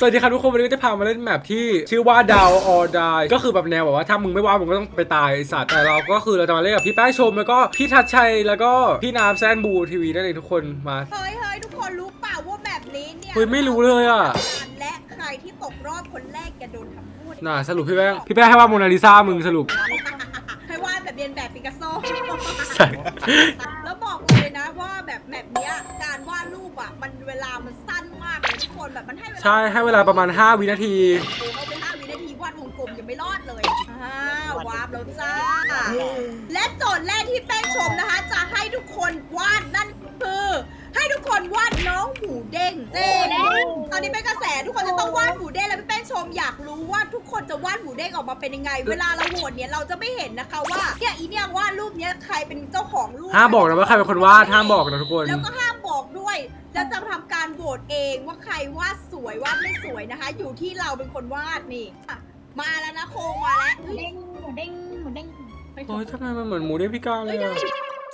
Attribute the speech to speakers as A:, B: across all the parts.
A: สวัสดีครับทุกคนวันนี้ก็จะพามาเล่นแมปที่ชื่อว่า Down or Die ก็คือแบบแนวแบบว่าถ้ามึงไม่ว่ามึงก็ต้องไปตายไอสัตว์แต่เราก็คือเราจะมาเล่นกับพี่แป้งชมแล้วก็พี่ทัชชัยแล้วก็พี่น้ำแซนบูทีวีนั่นเองทุกคนมา
B: เฮ้ยทุกคนรู้เปล่าว่าแบบนี้เนี่ย
A: เฮ้ยไม่รู้เลยอ่ะ
B: และใครที่ตกรอบคนแรกจะโดนทำโทษ
A: น่ะสรุปพี่แป้งให้ว่าโมนาลิซามึงสรุป
B: ให้วาดแบบเรียนแบบปิกัสโซ
A: ใช่
B: แล้วบอกเลยนะว่าแบบเนี้ยการวาดรูปอ่ะมันเวลามันสั้นมากเลยทุกคนแบบมันให้เวลา
A: ใช่ให้เวลาประมาณ5วินาที
B: เอาไป5 วินาทีวาดวงกลมยังไม่รอดเลยวาดแล้วจ้าและโจทย์แรกที่แป้งชมนะคะจะให้ทุกคนวาดนั่นคือให้ทุกคนวาดน้องหมูเด้งตอนนี้เป็นกระแสทุกคนจะต้องวาดหมูเด้งแล้วพี่แป้งชมอยากรู้ว่าทุกคนจะวาดหมูเด้งออกมาเป็นยังไงเวลาเราโหวตเนี่ยเราจะไม่เห็นนะคะว่าเนี่ยอีเนี่ยวาดรูปเนี้ยใครเป็นเจ้าของรูป
A: ห้ามบอกนะว่าใครเป็นคนวาดห้ามบอกนะทุกคน
B: แล้วก็ห้ามบอกด้วยแล้วจะทำการโหวตเองว่าใครวาดสวยวาดไม่สวยนะคะ อยู่ที่เราเป็นคนวาดนี่อ่ะมาแล้วนะโคงมาแล้ว
C: เด้งหมูเด้งหมูเด้ง
A: โอ้ยทำไมมันเหมือนหมูเด้งพิการเลยอะ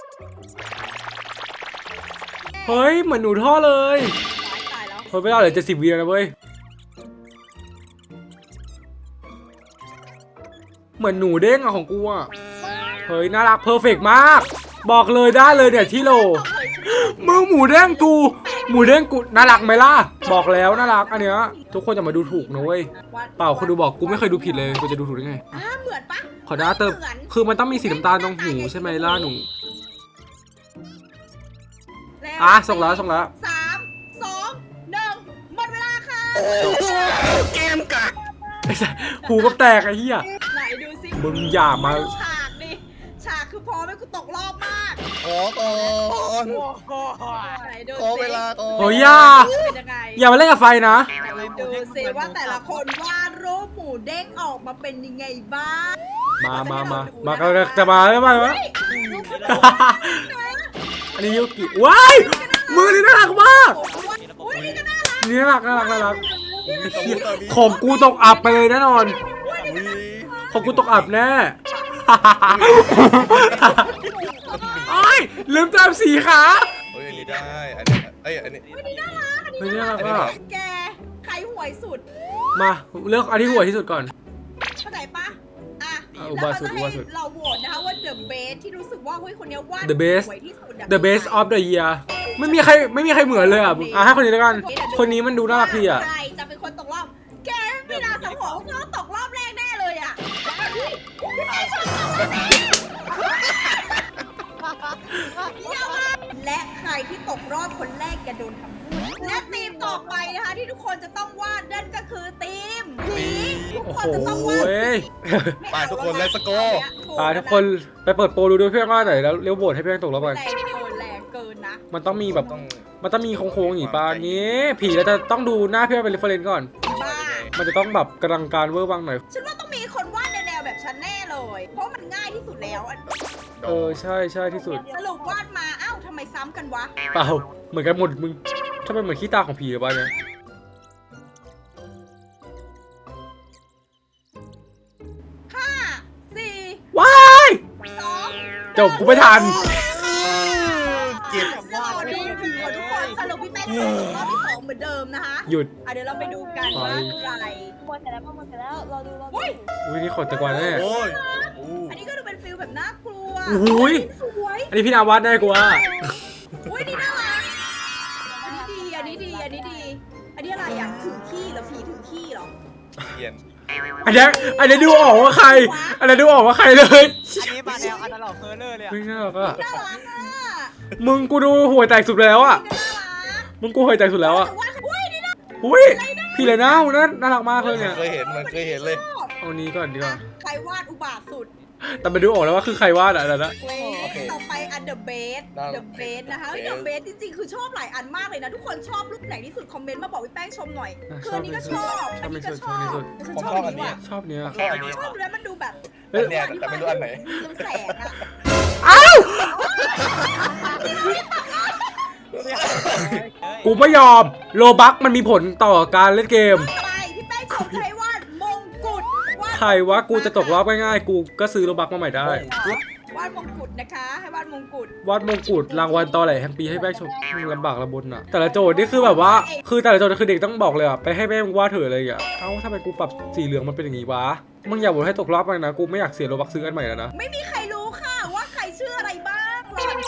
A: เฮ้ยเหมือนหนูท่อเลย
B: ตายแล้ว
A: เฮ้ยไม่ได้เหลือ70 วิแล้วนะเว้ยเหมือนหนูเด้งอะของกูอะเฮ้ยน่ารักเพอร์เฟกมาก บอกเลยได้เลยเนี่ยที่โลมึงหมูเด้งกูน่ารักไหมล่ะบอกแล้วน่ารักอันเนี้ยทุกคนจะมาดูถูกนะเว้ยเปล่าคนดูบอกกูไม่เคยดูผิดเลยกูจะดูถูกได้ไง
B: เหมือนปะ
A: ขอหน้าเติมคือมันต้องมีสีน้ำตาลตรงหูใช่ไหมล่ะหนูส่งแล้ว
B: 3 2 1หมดเวลาค่ะ
D: เกมกัด
A: หูก็แตกไอ้เหี้ย
B: ไหนดูสิ
A: มึงอย่ามา
B: ฉากดิฉากคือพอไม่กูตกรอบมาก
D: ขอก่อน
B: ไหนดู
D: ขอเวลาก่อน
A: โอ้ยอย่า
B: เป็นยังไง
A: อย่ามาเล่นกับไฟนะ
B: ดูสิว่าแต่ละคนวาดรูปหมูเด้งออกมาเป็นยังไงบ้าง
A: มาจะมาแล้วมาอันนี้ยูกิว้ายมือนี่น่ารักมาก
B: อุ้ยนี่ก็น่ารัก
A: นี่น่ารักของกูตกอับไปเลยแน่นอนของกูตกอับแน่โอ้ยลืมตามสีขา
D: เฮ้ยอันนี้ได้อันนี้อันนี้
B: อันนี้น่ารัก
A: เฮ้ยน่ารักอ่ะ
B: แกใครห่วยสุด
A: มาเลือกอันที่หัวที่สุดก่อน
B: เข้าใจปะอ่ะ
A: อุ
B: แล้ว
A: บา
B: เขา
A: สุด
B: จะ
A: อุ
B: ให้
A: บาสุด
B: เราโหวตนะคะว่า the best ที่รู้สึกว่าเฮ้ยคนนี้วาด
A: The best
B: สวยที่สุดอะ
A: The best of the year ไม่มีใครเหมือนเลยอ่ะให้คนนี้แล้วกันคนนี้มันดูน่ารักดีอ่ะ
B: ใครจะเป็นคนตกรอบ แกไม่น่าสังหรณ์ว่าเขาตกรอบแรกแน่เลยอ่ะและใครที่ตกรอบคนแรกจะโดนทำโทษและทีมต่อไปนะคะที่ทุกคนจะต้องวาดนั่นก็คือทีมผีทุก
A: โอ้
B: ค
A: โห
B: นจะต้องวาด
D: ไปทุกคนเลสโก้
A: ตายทุกคนไปเปิดโปรดูด้วยเพื่อนว่าไหนแล้วเลี้ยวโบดให้เพื่อนตกแล้วกัน
B: แรงเกินนะ
A: มันต้องมีแบบ
D: ต้อง
A: มันต้องมีโค้งๆอย่างนี้ป่ะนี้ผีเราจะต้องดูหน้าเพื่อนเป็นเรฟเฟรนซ์ก่อน
B: บ้า
A: มันจะต้องแบบกำลังการเวอร์วังหน่อย
B: ฉันว่าต้องมีคนวาดในแนวแบบฉันแน่เลย เพราะมันง่ายที่สุดแล้วอะ
A: ใช่ที่สุด
B: สรุปวาดมาอ้าวทำไมซ้ำกันวะ
A: เปล่าเหมือนกันหมดมึงถ้าเป็นเหมือนขี้ตาของผีหรือเปล่าเนี่ย
B: 5
A: ว้าย
B: 4
A: จบกูไม่ทัน
D: เก็บ
B: 2รอดูผีก่อนทุกคนสรุปพี่แป้งตกรอบที่ 2เหมือนเดิมนะคะ
A: หยุด
B: เดี๋ยวเราไปดูกันว่าใคร
C: หมดเสร็จแล้วหมดเสร็จแล้วรอดู
B: อุ้ย
A: อุ้ยนี่ขนตะกวาแน่
D: โอ้ย
B: อันนี้ก็ดูเป็นฟิลแบบน่ากลัว
A: โอ้โหย
B: สวย
A: อันนี้พี่นาวัดแน่กูว่า
B: อุ้ยนี่น่ารักอันนี้ดีอันนี้อะไรอ่ะถือขี้เหรอผีถือขี้เหรอ
D: เขียน
A: อันนี้ดูออกว่าใครอันนี้ดูออกว่าใครเลย
E: อันนี้มาแนวอันตลอดเฟอร์เลอร์เลยอะ
A: เฮ้ยน่ารักอะ
B: น่ารักอ่ะ
A: มึงกูดูห่วยแตกสุดแล้วอะ
B: น่ารัก
A: มึงกูห่วยแตกสุดแล้วอะ
B: แต่ว่าอุ้ยนี่น่า
A: อุ้ยพี่เลยนะน่ารักมากเลยเนี่ย
D: เคยเห็นมันเคยเห็นเลย
A: เอานี้ก่อนดีกว่า
B: ใครวาดอุบาทสุด
A: แต่มาดูออกแล้วว่าคือใครวาดอะนะ
B: เว้ยต่อไปอันเดอะเบสนะคะเดอะเบสจริงๆคือชอบหลายอันมากเลยนะ ทุกคนชอบรูปไหนที่สุดคอมเมนต์มาบอกพี่แป้งชมหน่อยคืออันนี้ก็ชอบอันนี้ก็ชอบฉันชอบอันนี้ว่ะ
A: ชอบเนี้ย
D: ชอบอันนี้
B: ชอบแล้วมันดูแบบ
D: อันเนี้ยแต่ไม่รู้อันไหน
B: เรืองแสงอะ
A: อ้าวกูไม่ยอมโลบักมันมีผลต่อการเล่นเกม
B: ไปพี่แป้งชมใครวาดมงกุฎ
A: ใครวะกูจะตกรอบง่ายๆกูก็ซื้อโลบักมาใหม่ได้
B: วาดมงกุฎนะคะ ให้วาดมงกุฎ
A: วาดมงกุฎรางวัลตอแหลแห่งปีให้แป้งชมลำบากลำบนอ่ะแต่ละโจทย์นี่คือแบบว่าคือแต่ละโจทย์คือเด็กต้องบอกเลยอ่ะไปให้แม่มึงวาดเถอะอะไรอย่างเงี้ยเอ้าทำไมกูปรับสีเหลืองมันเป็นอย่างงี้วะมึงอย่าบ่นให้ตกรอบไปนะกูไม่อยากเสียโลบักซื้ออันใหม่แล้วนะ
B: ไม่มีใครรู้ค่ะว่าใครชื่ออะไรบ้างหรอน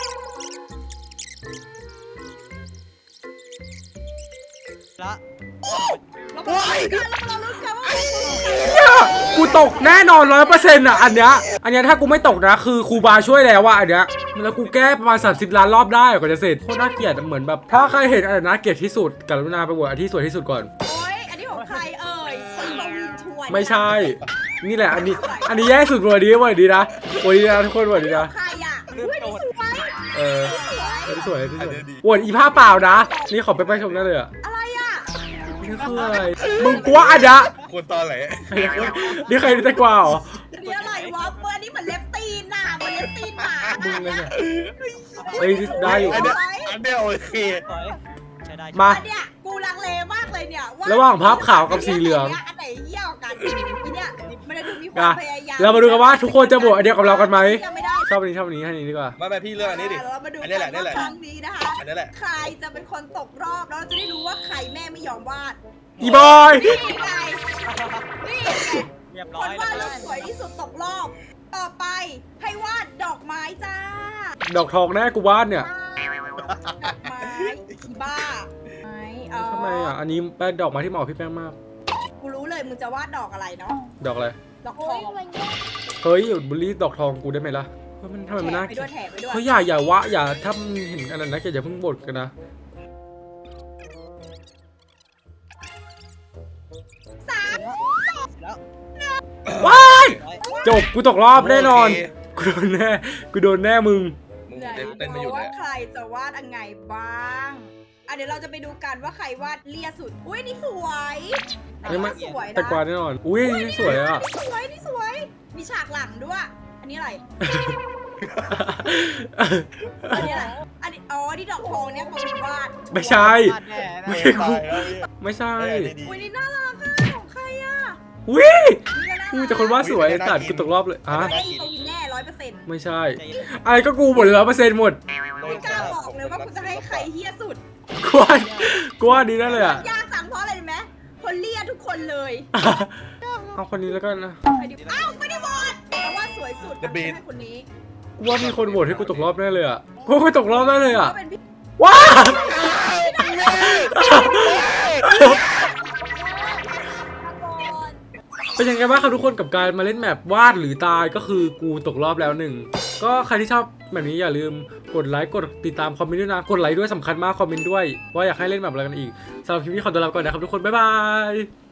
E: ละ
B: เรามาลุ้นกันเราลุ้นกันว่า
A: กูตกแน่นอน100%อ่ะอันเนี้ยถ้ากูไม่ตกนะคือครูบาช่วยแล้วว่าอันเนี้ยแล้วกูแก้ประมาณ30 ล้านรอบได้กว่าจะเสร็จโคตรน่าเกลียดเหมือนแบบถ้าใครเห็นอันไหนน่าเกลียดที่สุดกรุณาไปโหวตอันที่สวยที่สุดก่อน
B: โอ๊ยอันนี้ของใครเอ่ยคนบวินชวน
A: ไม่ใช่ นี่แหละอันนี้แย่สุดวันนี้วันนี้นะวันนี้นะทุกคนวันนี้นะ
B: ใครอ่ะอุ้ยนี่สวย
A: เออ
B: สวย
A: ที่สวยที่สวยโหวตอีผ้าเปล่านะนี่ขอไปชมได้เลยอ่ะ
B: อะไรอ่ะ
A: นี่คืออะไรมึงกลัวอันเนี้ย
D: ควรตอนไหน
A: นี่ใครจะกลัวเหรอ
B: อันนี้อะไรวะเบอร์นี้เหมือนเล็บตีนน่ะเหมือนเล็บตีนหมา
A: มึงเลยเนี่ยเฮ้ยได้อยู่
D: อันเนี้ยโอเค
E: สวยใช้ได้
A: มา
B: อันเนี้ยกูลังเลมากเลยเนี่ย
A: ระหว่างภาพขาวกับสีเหลือง
B: อันไหนเยี่ยวกันอันเนี้ยมันจะดูมีความพยายาม
A: เรามาดูกันว่าทุกคนจะโหวตอันเดียวกับเรากันไหม
B: ยังไม่ได้
A: ชอบอันนี้ให้อันนี้ดีกว่า
D: ไม่พี่เลือกอันนี้ดิ
B: เรามาดู
D: อั
B: กัน
D: นี้แหละนี่
B: ว่า
D: แหละ
B: ครั้งนี้นะคะ
D: อันนี้แหละ
B: ใครจะเป็นคนตกรอบแล้วเราจะได้รู้ว่าใครแม่ไม่ยอมวาด
A: อีบอย
B: นี่ไงนี่ไง
E: เรียบ
B: ค
E: ร้อน ยว
B: าด
E: แล้
B: รู
E: ว
B: ปสวยที่สุดตกรอบ ต่อไปให้วาดดอกไม้จ้า
A: ดอกทองแน่กูวาดเนี่ย
B: ดอกไม้อีบ้าไม้เออ
A: ทำไมอ่ะอันนี้เป็นดอกไม้ที่เหมาะกับพี่แป้งมาก
B: กูรู้เลยมึงจะวาดดอกอะไรเนาะ
A: ดอกอะไร
B: ดอกท
C: โอ้
B: อย ง
C: มันแย่
A: เฮ้ยหยุดบูลลี่ดอกทองกูได้ไหมล่ะเฮ้ยมันทำไมมันน่า
B: ไป
A: เกลี
B: ด้วย ยแถมไปด้วย
A: เฮ้ยอย่าถ้ามึงเห็นอันนั้นนะอย่าเพิ่งบ่นกันนะ
B: สาม
E: แล้ว
A: ว้าย
E: ร้อย
A: จบกูตกรอบแน่นอนกูโดนแน่มึง
D: มึง
B: ไหน
D: เต้นไม่หยุด
B: ว่า
D: เลย
B: ใครจะวาดยังไงบ้างเดี๋ยวเราจะไปดูกันว่าใครวาดเลียสุด อุ้ยนี่สวย
A: นี่มัน
B: สวยนะ
A: แต่กวาดแน่นอนอุ้ยนี่สวยอ่ะ
B: นี่สวย มีฉากหลังด้วย อันนี้อะไร อันนี้อะไร อันนี้อ๋อนี่ดอกทองเนี่ยคนวาด
A: ไม่ใช่
E: พลาดแน่
A: ไม่
E: นะ
A: ใช่กู
D: ตายแล้ว
A: ไม่ใช่
D: ดี
B: อุ้ยนี่น่ารักอะของใครอะ
A: อุ้ย
B: นี่ก็น่า
A: กู
B: รัก
A: แต่คนวาดสวยตัดกูตกรอบเลยอ่ะ
B: ไอ้ตัววินแน่100%
A: ไม่ใช่
E: ใจเย็น
A: อะไรก็กูหมดเลย100%หมด
B: ไม่กล้าบอกเลยว่ากูจะให้ใครเฮี้ยสุด
A: กูว่าดีนั่นเลยอ่ะ
B: ยากจังเพราะอะไรรู้ไหมคนเลียทุกคนเลย
A: เอาคนนี้แล้วกันนะ
B: ใครดีอ้าวไม่ได้โหวตเพราะว่าสวยสุดให้คนนี้
A: กูว่ามีคนโหวตให้กูตกรอบแน่เลยอ่ะกูว่ากูตกรอบแน่เลยอ่ะ
B: ก็เป็นพี่
A: ว้า เป็นยังไงบ้างครับทุกคนกับการมาเล่นแมปวาดหรือตายก็คือกูตกรอบแล้วหนึ่งก็ใครที่ชอบแบบนี้อย่าลืมกดไลค์กดติดตามคอมเมนต์ด้วยนะกดไลค์ด้วยสำคัญมากคอมเมนต์ด้วยว่าอยากให้เล่นแบบอะไรกันอีกสำหรับคลิปนี้ขอตัวลาไปก่อนนะครับทุกคนบ๊ายบาย